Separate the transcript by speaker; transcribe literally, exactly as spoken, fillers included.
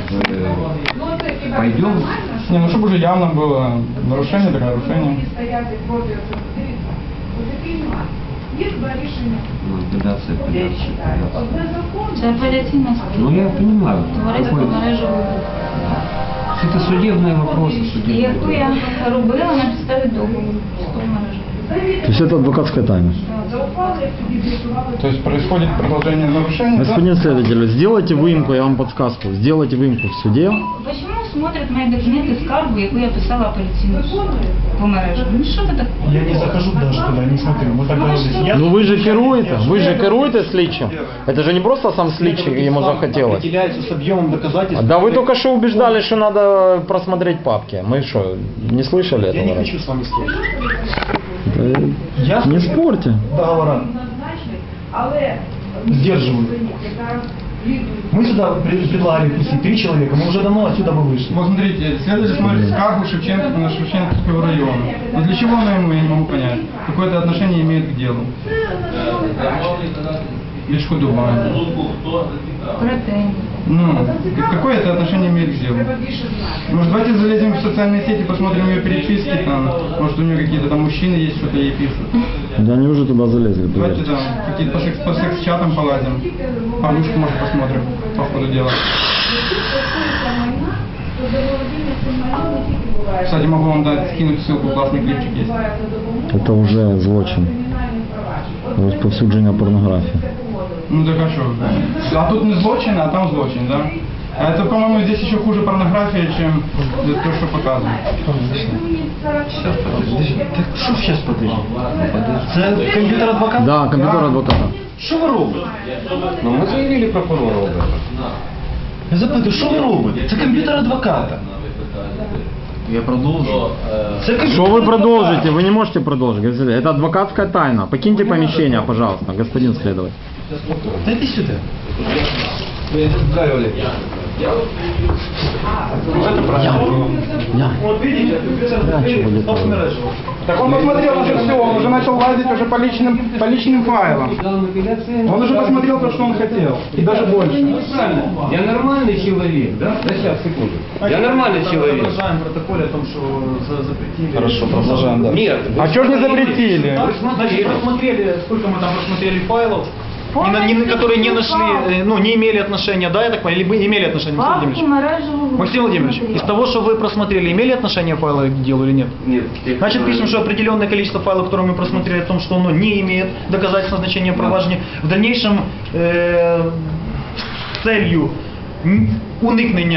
Speaker 1: пойдем.
Speaker 2: Не, ну чтобы уже явно было нарушение, так нарушение.
Speaker 1: Ну, апелляция, апелляция.
Speaker 3: Це апеляційна
Speaker 1: Ну я понимаю.
Speaker 3: Товариство
Speaker 1: Какой...
Speaker 3: мережі.
Speaker 1: Это судебные вопросы, судебные.
Speaker 3: Яку я робила на підставі договору з тою мережею.
Speaker 4: То есть это адвокатская тайна.
Speaker 2: То есть происходит продолжение нарушения.
Speaker 4: Господин следователь, сделайте выемку, я вам подсказку, сделайте выемку в суде.
Speaker 3: Почему смотрят мои документы скаргу, яку я писала апеляційну суду по мережі? Ну що це таке?
Speaker 5: Я не захожу даже туда, не смотрю. Мы тогда вот здесь.
Speaker 4: Ну вы же керуете, вы же керуете слідчим. Это же не просто сам слідчий ему захотелось.
Speaker 5: Определяется с объемом доказательств.
Speaker 4: Да вы только что убеждали, что надо просмотреть папки. Мы что, не слышали
Speaker 5: Я не
Speaker 4: этого?
Speaker 5: хочу с вами слушать.
Speaker 4: Да
Speaker 5: Я
Speaker 4: не спорьте.
Speaker 5: договора. Сдерживаю. Мы сюда пред- предлагали пустить три человека, мы уже давно отсюда бы вышли.
Speaker 2: Вот смотрите, следователь смотрит скаргу Шевченко на Шевченковского района. Но для чего она ему, я не могу понять. Какое-то отношение имеет к делу. Бешкудубание.
Speaker 3: Претензії.
Speaker 2: Ну, какое это отношение имеет к делу? Может, давайте залезем в социальные сети, посмотрим ее переписки там. Может, у нее какие-то там мужчины есть, что-то ей пишут.
Speaker 4: Да они уже туда залезли.
Speaker 2: Давайте
Speaker 4: поверьте.
Speaker 2: там какие-то по, секс, по секс-чатам полазим. Подушку, может, посмотрим по ходу дела. Кстати, могу вам дать, скинуть ссылку, классный клипчик есть.
Speaker 4: Это уже злочин. Розповсюдження порнографії.
Speaker 2: Ну так а что? А тут не злочин, а там злочин, да? А это, по-моему, здесь еще хуже порнография, чем то, что показывают.
Speaker 5: Сейчас подожди. Так что сейчас подожди? Це комп'ютер адвоката?
Speaker 4: Да, комп'ютер адвоката.
Speaker 5: Що ви робите?
Speaker 1: Ну мы заявили прокурору об этом.
Speaker 5: Я запитую, що ви робите? Це комп'ютер адвоката.
Speaker 1: Я продолжу.
Speaker 5: Це комп'ютер
Speaker 4: Что вы
Speaker 5: адвоката.
Speaker 4: продолжите? Вы не можете продолжить. Это адвокатская тайна. Покиньте помещение, пожалуйста, господин следователь.
Speaker 5: Та йди сюди.
Speaker 4: Я.
Speaker 5: Вот видите, компьютер
Speaker 4: чего
Speaker 5: адвоката.
Speaker 2: Так он посмотрел уже все, он уже начал лазить уже по личным, по личным файлам. Он уже посмотрел то, что он хотел. И даже больше.
Speaker 1: Я нормальный человек, да? Да сейчас, секунду. Я нормальный человек.
Speaker 5: Продолжаем протоколе о том, что за- запретили.
Speaker 2: Хорошо, продолжаем, да.
Speaker 1: Нет.
Speaker 2: А что ж не запретили?
Speaker 5: Значит, просмотрели, сколько мы там просмотрели файлов, не на- не на- которые не нашли, э, ну, не имели отношения, да, я так понял, либо имели отношение, Максим
Speaker 3: Папку
Speaker 5: Владимирович?
Speaker 3: мережевого.
Speaker 5: Максим Владимирович, из того, что вы просмотрели, имели отношение файлы к делу или нет?
Speaker 1: Нет.
Speaker 5: Значит, пишем, что определенное количество файлов, которые мы просмотрели, о том, что оно не имеет доказательства значения проваджения, в дальнейшем э, с целью м, уникнення